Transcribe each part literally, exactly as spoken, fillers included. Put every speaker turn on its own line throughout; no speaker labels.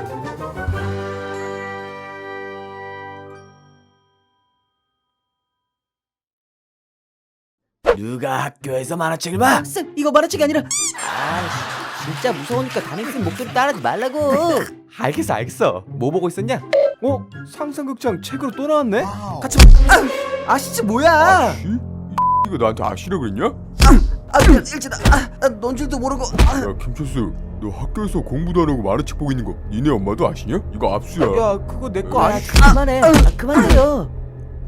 누가 학교에서 만화책을 봐?
쌤, 이거 만화책이 아니라. 아, 진짜 무서우니까 담임쌤 목소리 따라하지 말라고.
알겠어 알겠어. 뭐 보고 있었냐? 어? 상상극장 책으로 또 나왔네?
같이 봐. 아, 아시지 뭐야?
이? 이거 나한테 아시라 그랬냐?
아, 미안, 일진아. 아, 아, 넌 줄도 모르고. 아,
야 김철수, 너 학교에서 공부도 안 하고 만화책 보고 있는 거 니네 엄마도 아시냐? 이거 압수야.
야 그거 내 거
아,
아니.
그만해. 아, 그만해요.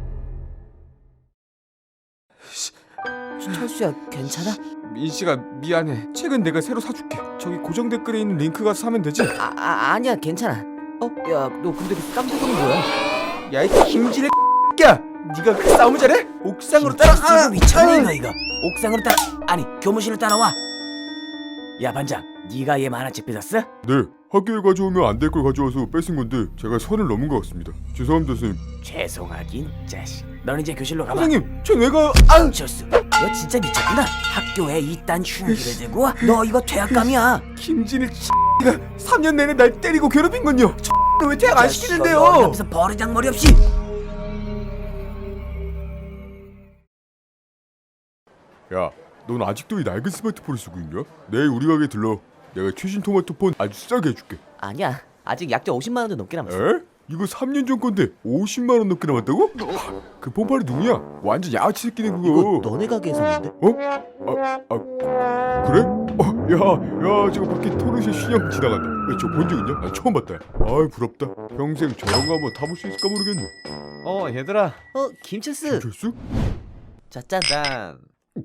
철수야, 괜찮아?
민씨가 미안해. 책은 내가 새로 사줄게. 저기 고정 댓글에 있는 링크 가서 사면 되지?
아, 아 아니야, 괜찮아. 어, 야, 너 근데 그 깜짝이는 뭐야?
야 이 김진의 야 네가 그 싸움을 잘해? 옥상으로 따라.
이거 미쳤니 너 이거? 옥상으로 따라 아니 교무실로 따라와. 야 반장, 네가 얘 만화책 뺏었어?
네, 학교에 가져오면 안 될 걸 가져와서 뺏은 건데 제가 선을 넘은 것 같습니다. 죄송합니다 선생님.
죄송하긴 자식. 넌 이제 교실로 가봐.
선생님 저 내가
아우 철수, 너 진짜 미쳤구나. 학교에 이딴 흉기를 들고 와? 너 이거 퇴학감이야.
김진의 X가 삼 년 내내 날 때리고 괴롭힌건요. 왜 퇴학 안 시키는데요?
하면서 버르장머리 없이.
야, 넌 아직도 이 낡은 스마트폰을 쓰고 있냐? 내일 우리 가게 들러. 내가 최신 토마토폰 아주 싸게 해줄게.
아니야, 아직 약정 오십만 원도 넘게 남았어.
에? 이거 삼 년 전 건데 오십만 원 넘게 남았다고? 그 폰팔이 누구냐? 완전 야치 새끼네 그거.
이거 너네 가게에서 샀는데?
어? 아, 아 그래? 어, 야, 야, 저거 밖에 토르쉐 신형 지나간다. 야, 저 본 적 있냐? 나 처음 봤다. 아이 부럽다. 평생 저런 거 한번 타볼 수 있을까 모르겠네.
어 얘들아.
어, 김철수.
철수?
자, 짠.
짠.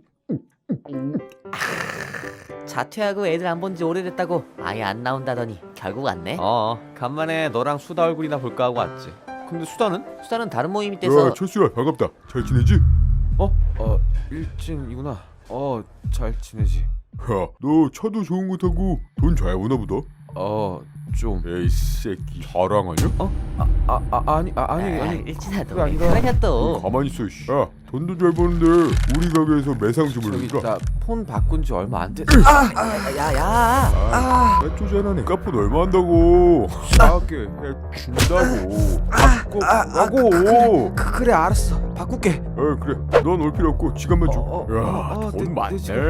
자퇴하고 애들 안 본 지 오래됐다고 아예 안 나온다더니 결국 왔네.
어 간만에 너랑 수다 얼굴이나 볼까 하고 왔지. 근데 수다는?
수다는 다른 모임이 돼서.
야, 철수야 반갑다. 잘 지내지?
어? 어 일진이구나. 어 잘 지내지.
야, 너 차도 좋은 거 타고 돈 잘 버나 보다.
어 좀.
에이 새끼 자랑하냐?
어? 아, 아, 아 아니 아, 아니
아,
아니
일진아,
그게
너왜
아니라-
그러냐 또.
가만히 있어. 씨. 야, 돈도 잘 버는데 우리 가게에서 매상 좀
저기
올려줄까?
나 폰 바꾼 지 얼마 안 됐.
아, 야, 야.
아, 쪼잔하네. 카폰 얼마 한다고? 싸게 해준다고. 바꿔라고.
그, 그래 알았어. 바꿀게.
에 그래. 넌 올 필요 없고 지갑만 줘.
어, 어,
야,
어, 어,
돈
내- 내
많네.
지갑.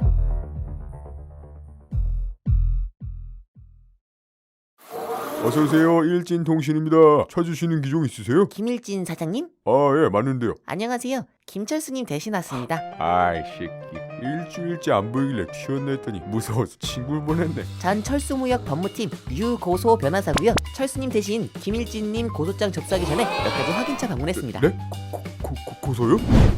어서 오세요. 일진통신입니다. 찾으시는 기종 있으세요?
김일진 사장님?
아, 예, 맞는데요.
안녕하세요. 김철수님 대신 왔습니다.
아이 새끼. 일주일째 안 보이길래 튀었나 했더니 무서워서 친구를 보냈네.
전 철수무역 법무팀 유고소 변호사고요. 철수님 대신 김일진님 고소장 접수하기 전에 몇 가지 확인차 방문했습니다.
네? 고, 고, 고, 고소요?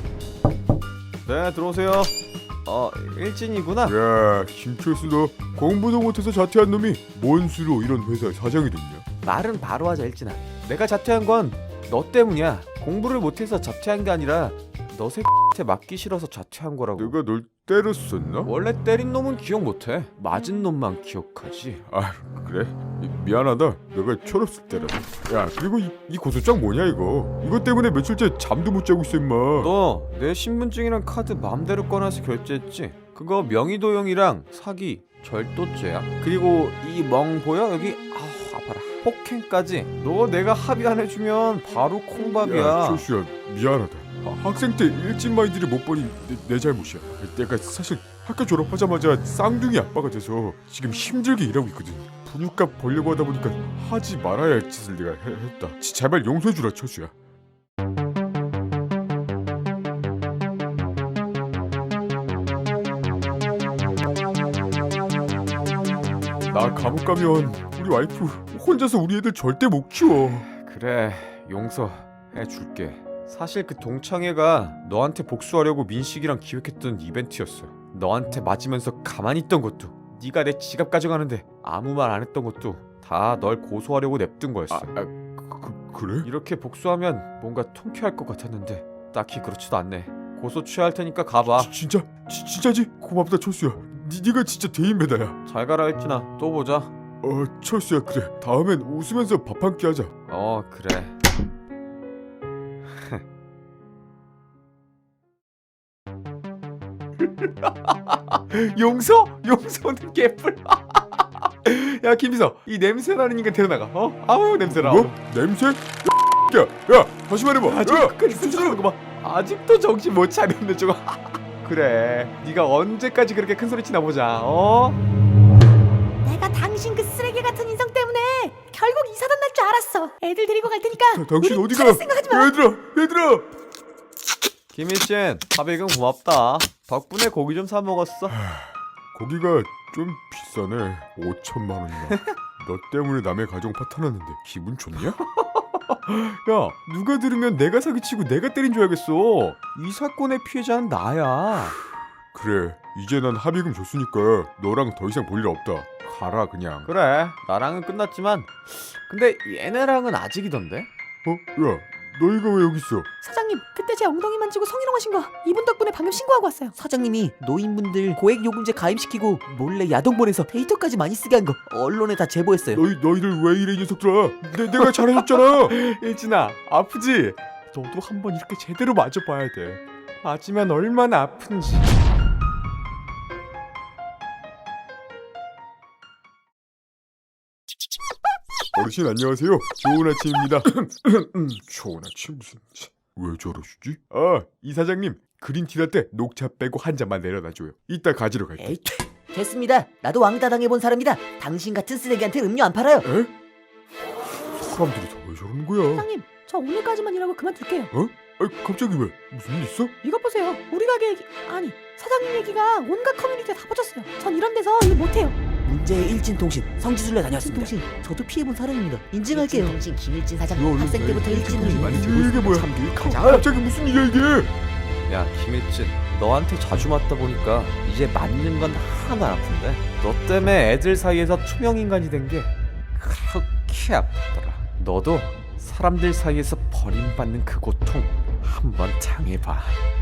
네 들어오세요. 어 일진이구나.
야, 김철수 너 공부도 못해서 자퇴한 놈이 뭔 수로 이런 회사의 사장이 됐냐?
말은 바로 하자 일진아. 내가 자퇴한 건 너 때문이야. 공부를 못해서 자퇴한 게 아니라 너 새끼한테 맞기 싫어서 자퇴한 거라고.
내가 널 때렸었나?
원래 때린 놈은 기억 못해. 맞은 놈만 기억하지.
아, 그래? 미, 미안하다. 내가 철없을 때라서. 야, 그리고 이, 이 고소장 뭐냐 이거? 이것 때문에 며칠째 잠도 못 자고 있어 임마.
너 내 신분증이랑 카드 맘대로 꺼내서 결제했지? 그거 명의도용이랑 사기, 절도죄야. 그리고 이 멍 보여? 여기 아우 아파라. 폭행까지. 너 내가 합의 안 해주면 바로 콩밥이야.
야, 철수야 미안하다. 아, 학생 때 일진 마인드를 못 보니 내, 내 잘못이야. 내가 사실 학교 졸업하자마자 쌍둥이 아빠가 돼서 지금 힘들게 일하고 있거든. 분유값 벌려고 하다 보니까 하지 말아야 할 짓을 내가 해, 했다. 지- 제발 용서해주라 철수야. 나 감옥 가면 우리 와이프 혼자서 우리 애들 절대 못 키워.
그래 용서해줄게. 사실 그 동창회가 너한테 복수하려고 민식이랑 기획했던 이벤트였어. 너한테 맞으면서 가만히 있던 것도, 네가 내 지갑 가져가는데 아무 말 안 했던 것도 다 널 고소하려고 냅둔 거였어.
아, 아 그, 그래?
이렇게 복수하면 뭔가 통쾌할 것 같았는데 딱히 그렇지도 않네. 고소 취하할 테니까 가봐.
지, 진짜? 지, 진짜지? 고맙다 철수야. 니, 니가 진짜 대인배다야.
잘 가라 했지나. 또 보자.
어 철수야 그래. 다음엔 웃으면서 밥 한 끼 하자.
어 그래. 용서? 용서는 개뿔. 야 김비서, 이 냄새나는 인간 데려나가. 어? 아우 냄새나.
뭐? 냄새? 야, 야, 다시 말해봐.
아직
야,
끝까지 수줍는 거 봐. 아직도 정신 못 차렸네 저거. 그래, 네가 언제까지 그렇게 큰 소리 치나 보자. 어?
내가 당신 그 쓰레기 같은 인성 때문에 결국 이사단 날 줄 알았어. 애들 데리고 갈 테니까
자, 당신
우리
어디가?
차례 생각하지 마.
얘들아, 얘들아.
김일진, 밥이금 고맙다. 덕분에 고기 좀 사 먹었어.
고기가 좀 비싸네. 오천만 원이나. 너 때문에 남의 가정 파탄났는데 기분 좋냐?
야, 누가 들으면 내가 사기치고 내가 때린 줄 알겠어. 이 사건의 피해자는 나야.
그래, 이제 난 합의금 줬으니까 너랑 더 이상 볼 일 없다. 가라 그냥.
그래, 나랑은 끝났지만 근데 얘네랑은 아직이던데?
어? 야, 너희가 왜 여기 있어?
사장님, 그때 제 엉덩이 만지고 성희롱하신 거 이분 덕분에 방금 신고하고 왔어요.
사장님이 노인분들 고액요금제 가입시키고 몰래 야동 보내서 데이터까지 많이 쓰게 한 거 언론에 다 제보했어요.
너희 너희들 왜 이래 이 녀석들아? 내, 내가 잘해줬잖아.
일진아, 아프지? 너도 한번 이렇게 제대로 맞아봐야 돼. 맞으면 얼마나 아픈지.
어르신 안녕하세요. 좋은 아침입니다. 좋은 아침 무슨? 왜 저러시지? 아, 이 사장님 그린티 라떼 녹차 빼고 한 잔만 내려놔줘요. 이따 가지러 갈게.
에이, 됐습니다. 나도 왕따 당해본 사람이다. 당신 같은 쓰레기한테 음료 안 팔아요.
에? 사람들이 다 왜 저러는 거야?
사장님, 저 오늘까지만 일하고 그만둘게요.
어? 아, 갑자기 왜? 무슨 일 있어?
이것 보세요. 우리 가게 얘기 아니 사장님 얘기가 온갖 커뮤니티에 다 퍼졌어요. 전 이런 데서 일 못해요.
문제의 일진통신 성지순례 다녔습니다.
통신 저도 피해본 사람입니다. 인증할게요. 통신 김일진
너
사장님
얼른
학생 때부터
내
일진을
많이 들고 이게 뭐야?
참기
아, 갑자기 무슨 일이야 이게?
야 김일진, 너한테 자주 맞다 보니까 이제 맞는 건 하나도 안 아픈데 너 때문에 애들 사이에서 투명인간이 된 게 그렇게 아프더라. 너도 사람들 사이에서 버림받는 그 고통 한번 당해봐.